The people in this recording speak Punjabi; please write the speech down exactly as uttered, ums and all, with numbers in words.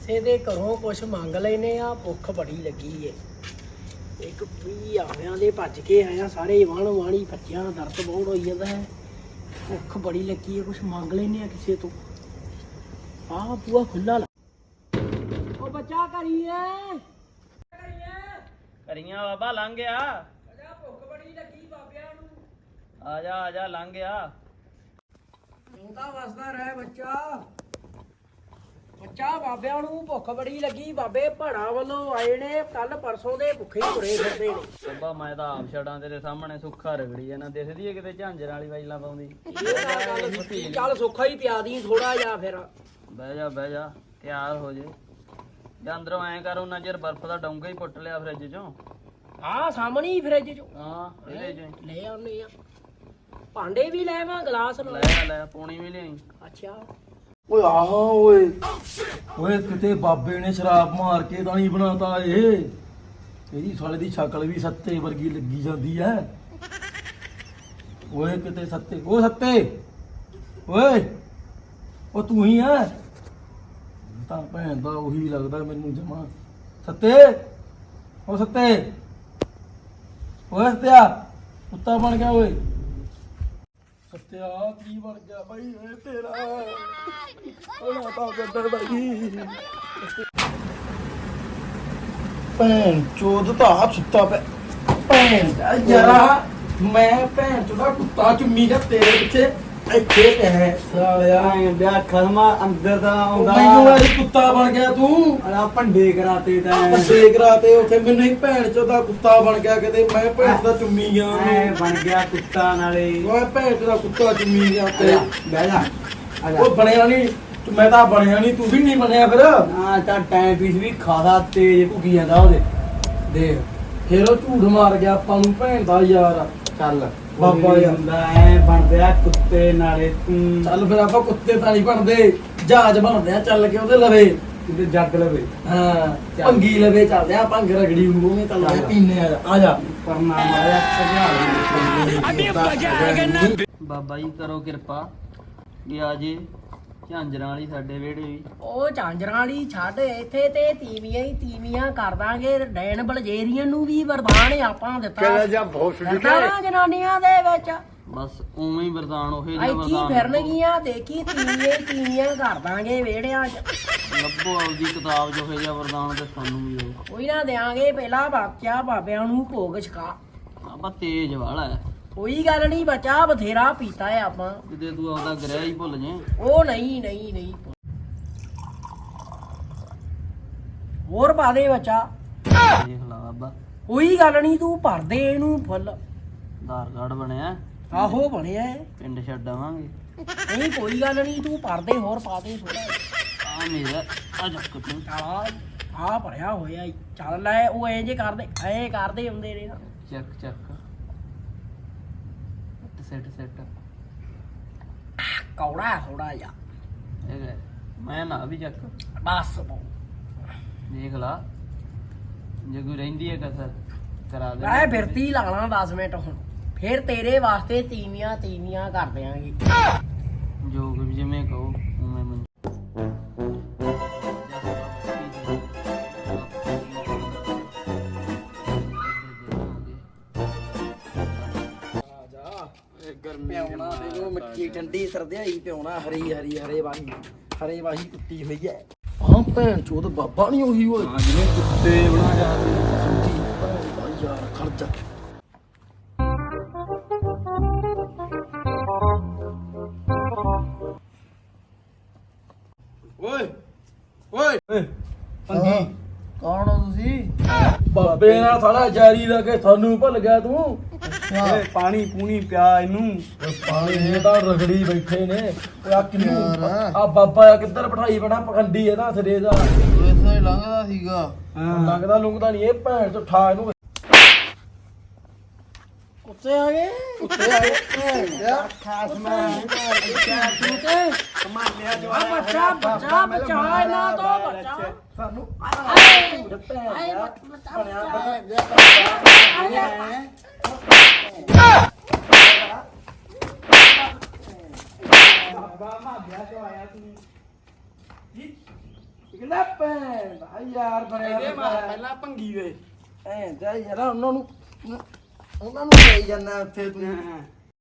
ਕਿਸੇ ਦੇ ਘਰੋਂ ਕੁਛ ਮੰਗ ਲੈਨੇ ਆ, ਭੁੱਖ ਬੜੀ ਲੱਗੀ ਏ। ਇੱਕ ਵੀ ਆਵਿਆਂ ਦੇ ਭੱਜ ਕੇ ਆਇਆ, ਸਾਰੇ ਵਾਣ ਵਾਣੀ ਭੱਜਿਆ, ਦਰਦ ਬਹੁਤ ਹੋਈ ਜਾਂਦਾ ਹੈ, ਭੁੱਖ ਬੜੀ ਲੱਗੀ ਏ, ਕੁਛ ਮੰਗ ਲੈਨੇ ਆ ਕਿਸੇ ਤੋਂ। ਆਹ ਬੂਆ ਖੁੱਲਾ ਲਾ। ਉਹ ਬੱਚਾ ਕਰੀਏ ਕਰੀਆਂ ਬਾਬਾ ਲੰਘ ਗਿਆ। ਅਜਾ ਭੁੱਖ ਬੜੀ ਲੱਗੀ ਬਾਬਿਆਂ ਨੂੰ। ਆ ਜਾ ਆ ਜਾ ਲੰਘ ਗਿਆ। ਜਿਉਂਦਾ ਵਸਦਾ ਰਹਿ ਬੱਚਾ। ਬੱਚਾ ਬਾਬਿਆਂ ਨੂੰ ਭੁੱਖ ਬੜੀ ਲੱਗੀ, ਬਾਬੇ ਪਹਾੜਾਂ ਵੱਲੋਂ ਆਏ ਨੇ, ਕੱਲ ਪਰਸੋਂ ਦੇ ਭੁੱਖੇ ਹੀ ਤੁਰੇ ਫਿਰਦੇ ਨੇ। ਬਾਬਾ ਮੈਂ ਤਾਂ ਆਪ ਛੜਾਂ ਤੇਰੇ ਸਾਹਮਣੇ ਸੁੱਖਾ ਰਗੜੀ ਆ ਨਾ, ਦਿਸਦੀ ਏ ਕਿਤੇ ਝਾਂਜਰ ਵਾਲੀ ਵਾਜਲਾ ਪਾਉਂਦੀ। ਚੱਲ ਸੁੱਖਾ ਹੀ ਪਿਆ ਦੀ ਥੋੜਾ ਜਿਹਾ ਫਿਰ। ਬਹਿ ਜਾ ਬਹਿ ਜਾ, ਤਿਆਰ ਹੋ ਜੇ। ਜਾਂ ਅੰਦਰੋਂ ਐਂ ਕਰ, ਉਹਨਾਂ ਚਿਰ ਬਰਫ਼ ਦਾ ਡੋਂਗਾ ਹੀ ਪੁੱਟ ਲਿਆ ਫਰਿੱਜ ਚੋਂ। ਆਹ ਸਾਹਮਣੇ ਹੀ ਫਰਿੱਜ ਚੋਂ। ਹਾਂ ਇਹਦੇ ਚ ਲੈ ਆਉਨੇ ਆ, ਭਾਂਡੇ ਵੀ ਲੈ ਆਵਾਂ, ਗਲਾਸ ਲੈ ਆ ਲੈ, ਪੌਣੀ ਵੀ ਲਿਆਈ। ਅੱਛਾ ਓਏ ਆਹ ਓਏ ਓਏ ਕਿਤੇ ਬਾਬੇ ਨੇ ਸ਼ਰਾਬ ਮਾਰ ਕੇ ਤਾਂ ਨਹੀਂ ਬਣਾਤਾ ਇਹ। ਇਹਦੀ ਸਾਲੇ ਦੀ ਸ਼ਕਲ ਵੀ ਸੱਤੇ ਵਰਗੀ ਲੱਗੀ ਜਾਂਦੀ ਐ। ਓਏ ਕਿਤੇ ਸੱਤੇ, ਓ ਸੱਤੇ ਓਏ, ਉਹ ਤੂੰ ਹੀ ਐ ਤਾਂ? ਭੈਣ ਦਾ ਉਹੀ ਲੱਗਦਾ ਮੈਨੂੰ ਜਮਾ। ਸੱਤੇ, ਓ ਸੱਤੇ, ਓਏ ਸੱਤਿਆ, ਕੁੱਤਾ ਬਣ ਗਿਆ ਓਏ। ਸੱਤਿਆ ਕੀ ਬਣ ਗਿਆ ਬਾਈ ਓਏ ਤੇਰਾ? ਓਏ ਤਾਂ ਗੱਦਰ ਬਾਈ ਭੈਣ ਚੋਦ ਤਾਂ ਸੁੱਤਾ ਪਿਆ। ਭੈਣ ਦਾ ਯਾਰਾ ਮੈਂ ਭੈਣ ਚੋਦਾ ਕੁੱਤਾ ਚੁੰਮੀ ਦਾ ਤੇਰੇ ਪਿੱਛੇ ਇੱਥੇ ਪਿਆ ਸਾਲਿਆ। ਵਿਆਹ ਖਸਮਾ ਅੰਦਰ ਦਾ ਆਉਂਦਾ ਮੈਨੂੰ ਇਹ ਕੁੱਤਾ ਬਣ ਗਿਆ ਤੂੰ। ਆ ਭੰਡੇ ਕਰਾਤੇ ਤਾਂ ਵੱਡੇ ਕਰਾਤੇ ਉੱਥੇ, ਮੈਨੂੰ ਹੀ ਭੈਣ ਚੋਦਾ ਕੁੱਤਾ ਬਣ ਗਿਆ ਕਿਤੇ। ਮੈਂ ਭੈਣ ਦਾ ਚੁੰਮੀ ਗਿਆ ਐ ਬਣ ਗਿਆ ਕੁੱਤਾ ਨਾਲੇ। ਓਏ ਭੈਣ ਚੋਦਾ ਕੁੱਤਾ ਚੁੰਮੀ ਗਿਆ ਤੇ। ਬਹਿ ਜਾ ਆ ਜਾ। ਉਹ ਬਣਿਆ ਨਹੀਂ, ਮੈਂ ਤਾਂ ਬਣਿਆ ਨਹੀਂ, ਤੂੰ ਵੀ ਨਹੀਂ ਬਣਿਆ ਫਿਰ। ਹਾਂ ਤਾਂ ਟਾਈਮ ਪੀਸ ਵੀ ਖਾਦਾ ਤੇਜ਼ ਭੁੱਕੀ ਜਾਂਦਾ ਉਹਦੇ। ਦੇਖ ਫਿਰ ਉਹ ਝੂਠ ਮਾਰ ਗਿਆ ਆਪਾਂ ਨੂੰ ਭੈਣ ਦਾ ਯਾਰ। ਚੱਲ ਬਾਬਾ ਯਾਰ। ਹੁੰਦਾ ਐ ਬਣਦਿਆ ਕੁੱਤੇ ਨਾਲੇ ਤੂੰ। ਚੱਲ ਫਿਰ ਆਪਾਂ ਕੁੱਤੇ ਤਾਂ ਨਹੀਂ ਬਣਦੇ, ਜਹਾਜ਼ ਬਣਦੇ ਆ ਚੱਲ ਕੇ ਉਹਦੇ ਲਵੇ। ਕਿਤੇ ਜੱਗ ਲਵੇ ਹਾਂ ਭੰਗੀ ਲਵੇ ਚੱਲਦੇ ਆ, ਭੰਗ ਰਗੜੀ ਮੂੰਹ ਮੇ ਚੱਲਦੇ ਆ, ਪੀਨੇ ਆ। ਆ ਜਾ ਪਰਨਾ ਮਾਰਿਆ ਸਜਾ। ਬਾਬਾ ਜੀ ਕਰੋ ਕਿਰਪਾ ਵੀ ਆ ਜੇ ਝਾਂਜਰਾਂ ਵਾਲੀ ਸਾਡੇ ਵਿਹੜੇ ਵੀ। ਉਹ ਝਾਂਜਰਾਂ ਵਾਲੀ ਛੱਡ, ਇੱਥੇ ਤੇ ਤੀਵੀਆਂ ਹੀ ਤੀਵੀਆਂ ਕਰ ਦਾਂਗੇ। ਡੈਨ ਬਲਜੇਰੀਅਨ ਨੂੰ ਵੀ ਵਰਦਾਨ ਆਪਾਂ ਦਿੱਤਾ ਨਾ ਜਨਾਨੀਆਂ ਦੇ ਵਿੱਚ। ਬਸ ਉਵੇਂ ਹੀ ਵਰਦਾਨ ਉਹੇ ਜਿਹਾ ਇੱਥੇ ਵਰਦਾਨ ਫਿਰਨਗੀਆਂ, ਦੇਖੀ ਤੀਵੀਆਂ ਹੀ ਤੀਵੀਆਂ ਕਰ ਦਾਂਗੇ ਵਿਹੜਿਆਂ 'ਚ। ਲੱਭੋ ਆਪਦੀ ਕਿਤਾਬ ਜੋ ਇਹੋ ਜਿਹਾ ਵਰਦਾਨ ਤੇ ਸਾਨੂੰ ਵੀ ਉਹ। ਕੋਈ ਨਾ ਦਿਆਂਗੇ, ਪਹਿਲਾਂ ਬਾਕਿਆ ਬਾਬਿਆਂ ਨੂੰ ਭੋਗ ਛਕਾ। ਆਪਾਂ ਤੇਜ਼ ਵਾਲਾ ਹੈ, ਕੋਈ ਗੱਲ ਨਹੀਂ ਬੱਚਾ, ਬਥੇਰਾ ਪੀਤਾ ਹੈ ਆਪਾਂ। ਕਿਤੇ ਤੂੰ ਆਪਦਾ ਗ੍ਰਹਿ ਹੀ ਭੁੱਲ ਜੇ। ਉਹ ਨਹੀਂ ਨਹੀਂ ਨਹੀਂ, ਹੋਰ ਪਾ ਦੇ ਬੱਚਾ। ਦੇਖ ਲਾ ਬਾਬਾ, ਕੋਈ ਗੱਲ ਨਹੀਂ, ਤੂੰ ਭਰ ਦੇ ਇਹਨੂੰ ਫੁੱਲ। ਆਧਾਰ ਕਾਰਡ ਬਣਿਆ, ਆਹੋ ਬਣਿਆ ਹੈ। ਪਿੰਡ ਛੱਡ ਆਵਾਂਗੇ। ਨਹੀਂ ਕੋਈ ਗੱਲ ਨਹੀਂ, ਤੂੰ ਭਰ ਦੇ, ਹੋਰ ਪਾ ਦੇ ਥੋੜਾ। ਆ ਮੇਰਾ ਆ ਜੱਕ ਤੂੰ। ਆ ਆ ਭਰਿਆ ਹੋਇਆ ਈ। ਚੱਲ ਲੈ, ਉਹ ਐ ਜੇ ਕਰਦੇ ਐ ਕਰਦੇ ਹੁੰਦੇ ਨੇ ਨਾ। ਚੱਕ ਚੱਕ ਸੈਟ ਸੈਟ ਕੌੜਾ ਥੋੜਾ ਜਿਹਾ ਇਹ ਲੈ, ਮੈਂ ਨਾ ਵੀ ਚੱਕ। ਬਸ ਦੇਖ ਲਾ, ਜੇ ਕੋਈ ਰਹਿੰਦੀ ਹੈ ਕਸਰ ਕਰਾ ਦੇ। ਮੈਂ ਫਿਰਤੀ ਲਾਣਾ ਦਸ ਮਿੰਟ ਹੁਣ, ਫਿਰ ਤੇਰੇ ਵਾਸਤੇ ਤੀਵੀਆਂ ਤੀਵੀਆਂ ਕਰ ਦਿਆਂਗੇ। ਜੋ ਕੁਝ ਜਿਵੇਂ ਕਹੋ ਉਵੇਂ ਮੈਂ। ਪਿਉਣਾ ਦੇਖੋ ਮਿੱਟੀ ਠੰਡੀ ਸਰਦਿਆਈ ਪਿਉਣਾ, ਹਰੀ ਹਰੀ ਹਰੇ ਵਾਹੀ ਹਰੇ ਵਾਹੀ ਕੁੱਤੀ ਹੋਈ ਐ। ਹਾਂ ਭੈਣ ਚੋਦ ਬਾਬਾ ਨਹੀਂ ਉਹੀ ਓਏ। ਹਾਂ ਜਿਵੇਂ ਕੁੱਤੇ ਬਣਾ ਜਾ ਯਾਰ ਖਰਚਾ ਓਏ ਓਏ ਪੰਗੀ ਕੌਣ ਹੋ ਤੁਸੀਂ? ਬਾਬੇ ਨਾਲ ਸਾਲਾ ਜਾਰੀ ਲਾ ਕੇ ਤੁਹਾਨੂੰ ਭੁੱਲ ਗਿਆ ਤੂੰ। ਓਏ ਪਾਣੀ ਪੂਣੀ ਪਿਆ ਇਹਨੂੰ। ਪਾਣੀ ਇਹ ਤਾਂ ਰਗੜੀ ਬੈਠੇ ਨੇ। ਓਏ ਆ ਕਿੰਨੂੰ ਆ ਬਾਬਾ ਆ ਕਿੱਧਰ ਬਿਠਾਈ ਬਣਾ ਪਖੰਡੀ ਇਹਦਾ ਸਿਰੇ ਦਾ। ਇਸੇ ਹੀ ਲੰਘਦਾ ਸੀਗਾ। ਲੰਗਦਾ ਲੁੰਗਦਾ ਨਹੀਂ ਇਹ ਭੈਣ ਚੋ ਠਾ ਇਹਨੂੰ। ਕੁੱਤੇ ਆ ਗਏ, ਕੁੱਤੇ ਆ ਗਏ ਖਾਸ ਮੈਂ ਕਮਾਲਿਆ ਜੋ ਆ ਬੱਚਾ ਬੱਚਾ ਬਚਾ ਇਹਨਾਂ ਤੋਂ ਬੱਚਾ ਸਾਨੂੰ ਆਏ ਭੈਣ ਆਏ ਦਾ ਬੱਚਾ ਬਣਿਆ ਬਾਬਾ ਮਾਧਿਆ ਚੋਂ ਆਇਆ ਤੂੰ। ਕਹਿੰਦਾ ਭੈਣ ਦਾ ਯਾਰ ਬਣਿਆ ਇਹਦੇ ਮਾਰ ਫਿਰਦਾ। ਪਹਿਲਾਂ ਭੰਗੀ ਵੇ ਭੈਣ ਦਾ ਯਾਰ ਉਹਨਾਂ ਨੂੰ ਉਹਨਾਂ ਨੂੰ ਲਈ ਜਾਂਦਾ ਉੱਥੇ ਤੂੰ